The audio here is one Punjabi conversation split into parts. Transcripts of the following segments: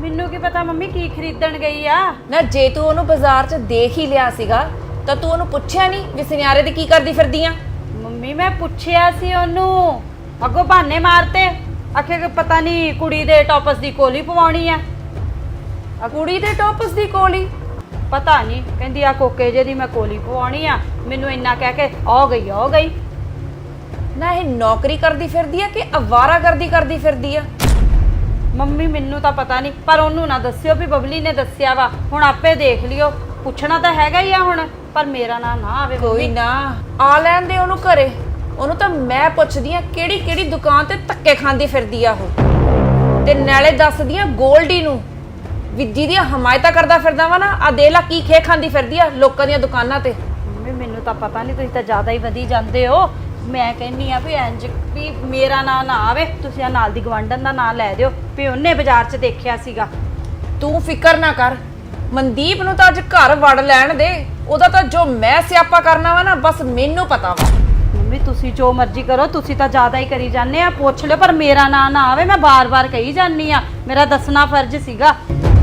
ਮੈਨੂੰ ਕੀ ਪਤਾ ਮੰਮੀ ਕੀ ਖਰੀਦਣ ਗਈ ਆ। ਨਾ ਜੇ ਤੂੰ ਉਹਨੂੰ ਬਾਜ਼ਾਰ 'ਚ ਦੇਖ ਹੀ ਲਿਆ ਸੀਗਾ ਤਾਂ ਤੂੰ ਉਹਨੂੰ ਪੁੱਛਿਆ ਨਹੀਂ ਵੀ ਸੁਨਿਆਰੇ ਦੀ ਕੀ ਕਰਦੀ ਫਿਰਦੀ ਆ? ਮੰਮੀ ਮੈਂ ਪੁੱਛਿਆ ਸੀ ਉਹਨੂੰ, ਅੱਗੋਂ ਬਹਾਨੇ ਮਾਰਤੇ, ਆਖੇ ਕਿ ਪਤਾ ਨਹੀਂ ਕੁੜੀ ਦੇ ਟੌਪਸ ਦੀ ਕੋਲੀ ਪਵਾਉਣੀ ਆ। ਕੁੜੀ ਦੇ ਟੌਪਸ ਦੀ ਕੋਲੀ? ਪਤਾ ਨਹੀਂ, ਕਹਿੰਦੀ ਆ ਕੋਕੇ ਜੇ ਦੀ ਮੈਂ ਕੋਲੀ ਪਵਾਉਣੀ ਆ। ਮੈਨੂੰ ਇੰਨਾ ਕਹਿ ਕੇ ਆ ਗਈ। ਨਾ ਇਹ ਨੌਕਰੀ ਕਰਦੀ ਫਿਰਦੀ ਆ ਕਿ ਅਵਾਰਾਗਰਦੀ ਕਰਦੀ ਫਿਰਦੀ ਆ? ਮੰਮੀ ਮੈਨੂੰ ਤਾਂ ਪਤਾ ਨਹੀਂ, ਪਰ ਉਹਨੂੰ ਨਾ ਦੱਸਿਓ ਵੀ ਬਬਲੀ ਨੇ ਦੱਸਿਆ ਵਾ। ਹੁਣ ਆਪੇ ਦੇਖ ਲਿਓ, ਪੁੱਛਣਾ ਤਾਂ ਹੈਗਾ ਹੀ ਆ ਹੁਣ, ਪਰ ਮੇਰਾ ਨਾਂ ਨਾ ਆਵੇ। ਕੋਈ ਨਾ, ਆ ਲੈਣ ਦੇ ਉਹਨੂੰ ਘਰੇ। ਉਹਨੂੰ ਤਾਂ ਮੈਂ ਪੁੱਛਦੀ ਆ ਕਿਹੜੀ ਦੁਕਾਨ ਤੇ ਧੱਕੇ ਖਾਂਦੀ ਫਿਰਦੀ ਆ ਉਹ, ਤੇ ਨਾਲੇ ਦੱਸਦੀ ਆ ਗੋਲਡੀ ਨੂੰ ਵੀ ਜਿਹਦੀ ਹਮਾਇਤਾਂ ਕਰਦਾ ਫਿਰਦਾ ਵਾ ਨਾ, ਆ ਦੇ ਲਾ ਕੀ ਖੇ ਖਾਂਦੀ ਫਿਰਦੀ ਆ ਲੋਕਾਂ ਦੀਆਂ ਦੁਕਾਨਾਂ ਤੇ। ਮੰਮੀ ਮੈਨੂੰ ਤਾਂ ਪਤਾ ਨਹੀਂ, ਤੁਸੀਂ ਤਾਂ ਜ਼ਿਆਦਾ ਹੀ ਵਧੀ ਜਾਂਦੇ ਹੋ। ਮੈਂ ਕਹਿੰਨੀ ਆ ਵੀ ਇੰਜ ਵੀ ਮੇਰਾ ਨਾਂ ਨਾ ਆਵੇ, ਤੁਸੀਂ ਆ ਨਾਲ ਦੀ ਗਵਾਂਢਣ ਦਾ ਨਾਂ ਲੈ ਦਿਓ ਵੀ ਉਹਨੇ ਬਾਜ਼ਾਰ 'ਚ ਦੇਖਿਆ ਸੀਗਾ। ਤੂੰ ਫਿਕਰ ਨਾ ਕਰ, ਮਨਦੀਪ ਨੂੰ ਤਾਂ ਅੱਜ ਘਰ ਵੜ ਲੈਣ ਦੇ। ਉਹਦਾ ਤਾਂ ਜੋ ਮੈਂ ਸਿਆਪਾ ਕਰਨਾ ਵਾ ਨਾ, ਬਸ ਮੈਨੂੰ ਪਤਾ ਵਾ। ਮੰਮੀ ਤੁਸੀਂ ਜੋ ਮਰਜ਼ੀ ਕਰੋ, ਤੁਸੀਂ ਤਾਂ ਜ਼ਿਆਦਾ ਹੀ ਕਰੀ ਜਾਂਦੇ ਆ। ਪੁੱਛ ਲਿਓ ਪਰ ਮੇਰਾ ਨਾਂ ਨਾ ਆਵੇ। ਮੈਂ ਬਾਰ-ਬਾਰ ਕਹੀ ਜਾਂਦੀ ਆ, ਮੇਰਾ ਦੱਸਣਾ ਫਰਜ਼ ਸੀਗਾ।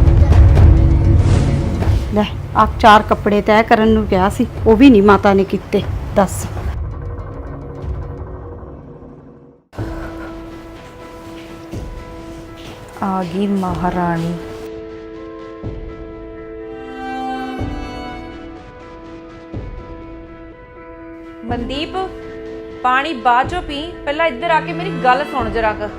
ਲੈ ਆ 4 ਕੱਪੜੇ ਤੈਅ ਕਰਨ ਨੂੰ ਕਿਹਾ ਸੀ, ਉਹ ਵੀ ਨਹੀਂ ਮਾਤਾ ਨੇ ਕੀਤੇ। ਦੱਸ ਆ ਗਈ ਮਹਾਰਾਣੀ। ਮਨਦੀਪ ਪਾਣੀ ਬਾਅਦ ਚੋਂ ਪੀ, ਪਹਿਲਾਂ ਇੱਧਰ ਆ ਕੇ ਮੇਰੀ ਗੱਲ ਸੁਣ ਜਰਾ ਕ।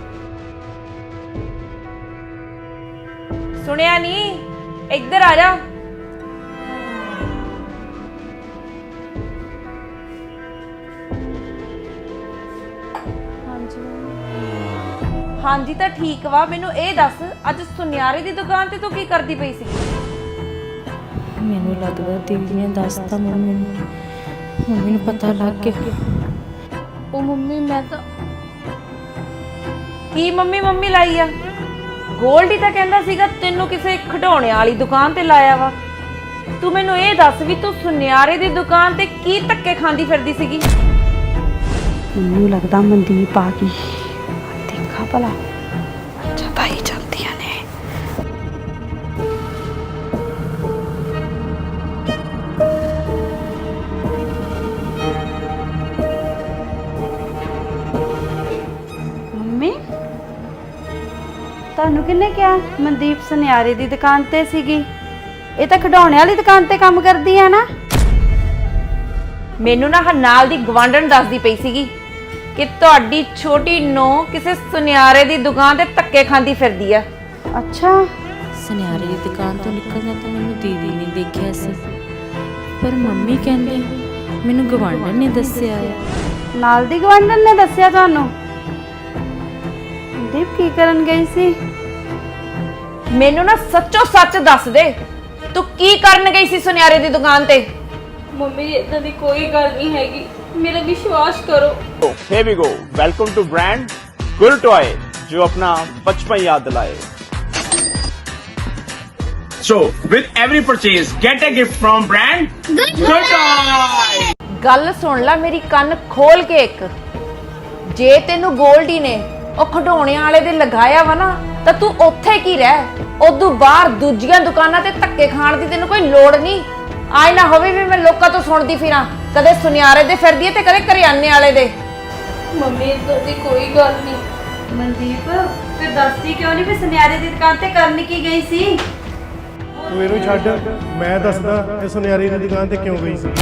ਸੁਣਿਆ ਨਹੀਂ? ਇੱਧਰ ਆ ਜਾ। ਹਾਂਜੀ ਤਾਂ ਠੀਕ ਵਾ। ਮੈਨੂੰ ਇਹ ਦੱਸ, ਅੱਜ ਸੁਨਿਆਰੇ ਦੀ ਦੁਕਾਨ ਤੇ ਤੂੰ ਕੀ ਕਰਦੀ ਪਈ ਸੀ? ਮੈਨੂੰ ਲੱਗਦਾ ਦੀਦੀ ਨੇ ਦੱਸਤਾ ਮੰਮੀ ਨੂੰ, ਹੁਣ ਮੈਨੂੰ ਪਤਾ ਲੱਗ ਗਿਆ। ਉਹ ਮੰਮੀ ਮੈਂ ਤਾਂ ਕੀ ਮੰਮੀ ਲਾਈ ਆ? ਗੋਲਡੀ ਤਾਂ ਕਹਿੰਦਾ ਸੀਗਾ ਤੈਨੂੰ ਕਿਸੇ ਖਿਡੌਣੇ ਵਾਲੀ ਦੁਕਾਨ ਤੇ ਲਾਇਆ ਵਾ। ਤੂੰ ਮੈਨੂੰ ਇਹ ਦੱਸ ਵੀ ਤੂੰ ਸੁਨਿਆਰੇ ਦੀ ਦੁਕਾਨ ਤੇ ਕੀ ਧੱਕੇ ਖਾਂਦੀ ਫਿਰਦੀ ਸੀਗੀ? ਮੈਨੂੰ ਲੱਗਦਾ ਮਨਦੀਪ ਆ ਗਈ। ਦੇਖਾ ਭਲਾ, ਅੱਛਾ ਤਾਂ ਹੀ ਜਾਂਦੀਆਂ ਨੇ। ਮੰਮੀ ਤੁਹਾਨੂੰ ਕਿਹਨੇ ਕਿਹਾ ਮਨਦੀਪ ਸੁਨਿਆਰੇ ਦੀ ਦੁਕਾਨ ਤੇ ਸੀਗੀ? ਇਹ ਤਾਂ ਖਿਡੌਣੇ ਵਾਲੀ ਦੁਕਾਨ ਤੇ ਕੰਮ ਕਰਦੀ ਆ ਨਾ। ਮੈਨੂੰ ਨਾ ਨਾਲ ਦੀ ਗਵਾਂਢਣ ਦੱਸਦੀ ਪਈ ਸੀਗੀ ਕਿ ਤੁਹਾਡੀ ਛੋਟੀ ਨੂੰਹ ਕਿਸੇ ਸੁਨਿਆਰੇ ਦੀ ਦੁਕਾਨ ਤੇ ਧੱਕੇ ਖਾਂਦੀ ਫਿਰਦੀ ਆ। ਅੱਛਾ, ਸੁਨਿਆਰੇ ਦੀ ਦੁਕਾਨ ਤੋਂ ਨਿਕਲਦਾ ਤਾਂ ਮੈਨੂੰ ਦੀਦੀ ਨੇ ਦੇਖਿਆ ਸੀ, ਪਰ ਮੰਮੀ ਕਹਿੰਦੇ ਮੈਨੂੰ ਗਵਾਂਢਣ ਨੇ ਦੱਸਿਆ ਹੈ। ਨਾਲ ਦੀ ਗਵਾਂਢਣ ਨੇ ਦੱਸਿਆ ਤੁਹਾਨੂੰ? ਮਨਦੀਪ ਕੀ ਕਰਨ ਗਈ ਸੀ? ਮੈਨੂੰ ਨਾ ਸੱਚੋ ਸੱਚ ਦੱਸ ਦੇ, ਤੂੰ ਕੀ ਕਰਨ ਗਈ ਸੀ ਸੁਨਿਆਰੇ ਦੀ ਦੁਕਾਨ ਤੇ? ਮੰਮੀ ਇਦਾਂ ਦੀ ਕੋਈ ਗੱਲ ਨਹੀਂ ਹੈਗੀ, मेरा विश्वास करो। Here we go. Welcome to brand Gul Toy, जो अपना बचपन याद दिलाए. So, with every purchase, get a gift from brand Gul Toy. ਗੱਲ ਸੁਣ ਲੈ ਮੇਰੀ, ਕੰਨ ਖੋਲ ਕੇ ਇੱਕ। ਜੇ ਤੈਨੂੰ ਗੋਲਡੀ ਨੇ ਉਹ ਖਿਡੌਣਿਆਂ ਵਾਲੇ ਦੇ ਲਗਾਇਆ ਵਾ ਨਾ, ਤਾਂ ਤੂੰ ਉੱਥੇ ਕੀ ਰਹਿ। ਉਦੋਂ ਬਾਹਰ ਦੂਜੀਆਂ ਦੁਕਾਨਾਂ ਤੇ ਧੱਕੇ ਖਾਣ ਦੀ ਤੈਨੂੰ ਕੋਈ ਲੋੜ ਨਹੀਂ। ਆਏ ਨਾ ਹੋਵੇ ਵੀ ਮੈਂ ਲੋਕਾਂ ਤੋਂ ਸੁਣਦੀ ਫਿਰਾਂ, ਕਦੇ ਸੁਨਿਆਰੇ ਦੇ ਫਿਰਦੀ ਹੈ ਤੇ ਕਦੇ ਕਰਿਆਨੇ ਵਾਲੇ ਦੇ। ਮੰਮੀ ਇਦਾਂ ਦੀ ਕੋਈ ਗੱਲ ਨਹੀਂ। ਮਨਦੀਪ ਫਿਰ ਦੱਸਦੀ ਕਿਉਂ ਨਹੀਂ ਵੀ ਸੁਨਿਆਰੇ ਦੀ ਦੁਕਾਨ ਤੇ ਕਰਨ ਕੀ ਗਈ ਸੀ? ਤੂੰ ਇਹਨੂੰ ਛੱਡ, ਮੈਂ ਦੱਸਦਾ ਇਹ ਸੁਨਿਆਰੇ ਦੀ ਦੁਕਾਨ ਤੇ ਕਿਉਂ ਗਈ ਸੀ।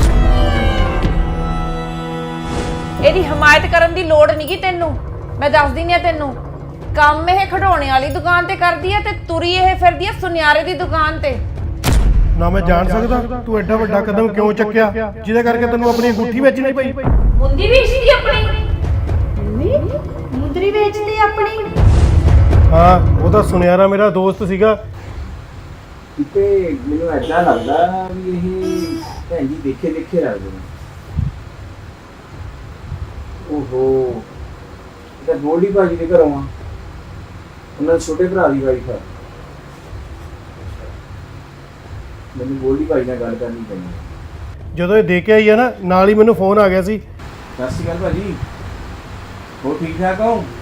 ਇਹਦੀ ਹਮਾਇਤ ਕਰਨ ਦੀ ਲੋੜ ਨਹੀਂਗੀ ਤੈਨੂੰ, ਮੈਂ ਦੱਸਦੀ ਨਹੀਂ ਤੈਨੂੰ। ਕੰਮ ਇਹ ਖਿਡੌਣੇ ਵਾਲੀ ਦੁਕਾਨ ਤੇ ਕਰਦੀ ਹੈ ਤੇ ਤੁਰੀ ਇਹ ਫਿਰਦੀ ਹੈ ਸੁਨਿਆਰੇ ਦੀ ਦੁਕਾਨ ਤੇ। ਨਾ ਮੈਂ ਜਾਣ ਸਕਦਾ ਤੂੰ ਐਡਾ ਵੱਡਾ ਕਦਮ ਕਿਉਂ ਚੱਕਿਆ ਜਿਹਦੇ ਕਰਕੇ ਤੈਨੂੰ ਆਪਣੀ ਅੰਗੂਠੀ ਵੇਚਣੀ ਪਈ। ਮੁੰਦੀ ਵੇਚਦੀ ਆਪਣੀ? ਮੰਮੀ ਮੁੰਦਰੀ ਵੇਚਦੀ ਆਪਣੀ? ਹਾਂ, ਉਹਦਾ ਸੁਨਿਆਰਾ ਮੇਰਾ ਦੋਸਤ ਸੀਗਾ। ਤੇ ਮੈਨੂੰ ਐਦਾਂ ਲੱਗਦਾ ਵੀ ਇਹ ਭੈਣ ਜੀ ਦੇਖੇ ਲੱਗਦੇ ਨੇ। ਓਹੋ, ਇਹ ਤਾਂ ਗੋਲਡੀ ਭਾਜੀ ਦੇ ਘਰੋਂ ਆ, ਉਹਨਾਂ ਦੇ ਛੋਟੇ ਭਰਾ ਦੀ ਵਾਈਫ ਆ। ਮੈਨੂੰ ਗੋਲਡੀ ਭਾਜੀ ਨਾਲ ਗੱਲ ਕਰਨੀ ਪੈਣੀ। ਜਦੋਂ ਇਹ ਦੇ ਕੇ ਆਈ ਆ ਨਾ, ਨਾਲ ਹੀ ਮੈਨੂੰ ਫੋਨ ਆ ਗਿਆ ਸੀ। ਸਤਿ ਸ਼੍ਰੀ ਅਕਾਲ ਭਾਜੀ, ਹੋਰ ਠੀਕ ਠਾਕ ਹੋ?